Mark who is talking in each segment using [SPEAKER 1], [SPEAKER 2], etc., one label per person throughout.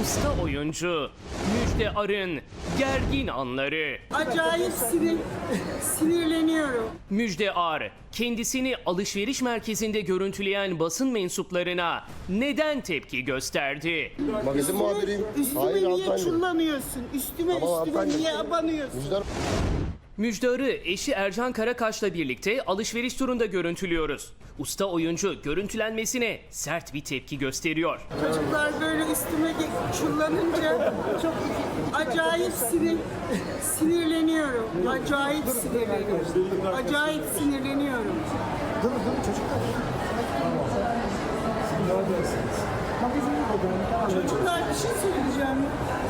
[SPEAKER 1] Usta oyuncu Müjde Ar'ın gergin anları.
[SPEAKER 2] Acayip sinirleniyorum.
[SPEAKER 1] Müjde Ar kendisini alışveriş merkezinde görüntüleyen basın mensuplarına neden tepki gösterdi?
[SPEAKER 3] Magazin muhabiriyim.
[SPEAKER 2] Üstüme niye
[SPEAKER 3] hanımefendi.
[SPEAKER 2] çullanıyorsun? Üstüme
[SPEAKER 3] hanımefendi.
[SPEAKER 2] niye abanıyorsun?
[SPEAKER 3] Müjde
[SPEAKER 1] Müjde Ar'ı eşi Ercan Karakaş'la birlikte alışveriş turunda görüntülüyoruz. Usta oyuncu görüntülenmesine sert bir tepki gösteriyor.
[SPEAKER 2] Çocuklar böyle üstüme çullanınca çok acayip sinirleniyorum. Acayip sinirleniyorum. Acayip sinirleniyorum. Çocuklar bir şey söyleyeceğim.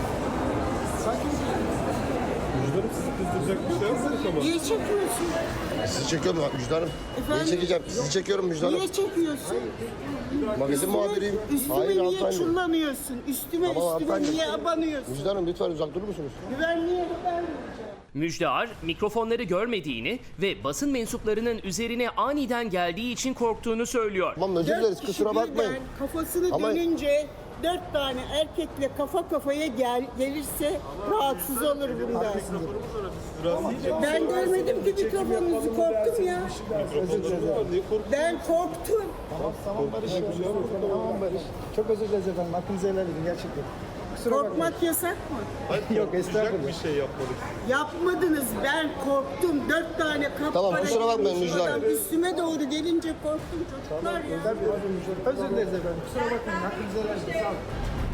[SPEAKER 4] Müjdarım sizi kızdıracak bir şey yapmadık ama.
[SPEAKER 2] Niye çekiyorsun?
[SPEAKER 3] Sizi çekiyorum Müjde Hanım.
[SPEAKER 2] Efendim?
[SPEAKER 3] Neyi çekeceğim? Sizi çekiyorum Müjde Hanım.
[SPEAKER 2] Niye çekiyorsun?
[SPEAKER 3] Magazin muhabiriyim.
[SPEAKER 2] Üstüme niye
[SPEAKER 3] hanımefendi.
[SPEAKER 2] çullanıyorsun? Üstüme
[SPEAKER 3] hanımefendi.
[SPEAKER 2] niye abanıyorsun?
[SPEAKER 3] Müjde Hanım lütfen uzak durur musunuz?
[SPEAKER 2] Güvenliğe vermeyeceğim.
[SPEAKER 1] Müjde Ar mikrofonları görmediğini ve basın mensuplarının üzerine aniden geldiği için korktuğunu söylüyor.
[SPEAKER 3] Tamam özür dileriz kusura bakmayın.
[SPEAKER 2] Kafasını
[SPEAKER 3] Ama-
[SPEAKER 2] dönünce 4 tane erkekle kafa kafaya gelirse rahatsız olur bundan. Ben görmedim ki mikrofonunuzu, korktum ya. Ben korktum.
[SPEAKER 5] Tamam Barış. Tamam Barış. Çok özür dileriz efendim. Hakkınızı helal edin gerçekten. Kusura bakmayın.
[SPEAKER 2] Korkmak yasak mı?
[SPEAKER 5] Yok estağfurullah.
[SPEAKER 4] Bir şey yapmadık.
[SPEAKER 2] Yapmadınız. Ben korktum. 4 tane kapkara
[SPEAKER 3] Tamam, kusura bakmayın
[SPEAKER 2] giymiş
[SPEAKER 3] Müjde
[SPEAKER 2] adam
[SPEAKER 3] Hanım.
[SPEAKER 2] üstüme doğru gelince korktum çocuklar ya.
[SPEAKER 5] Özür dileriz efendim. Kusura bakmayın. Hakkınızı helal edin. Sağ olun.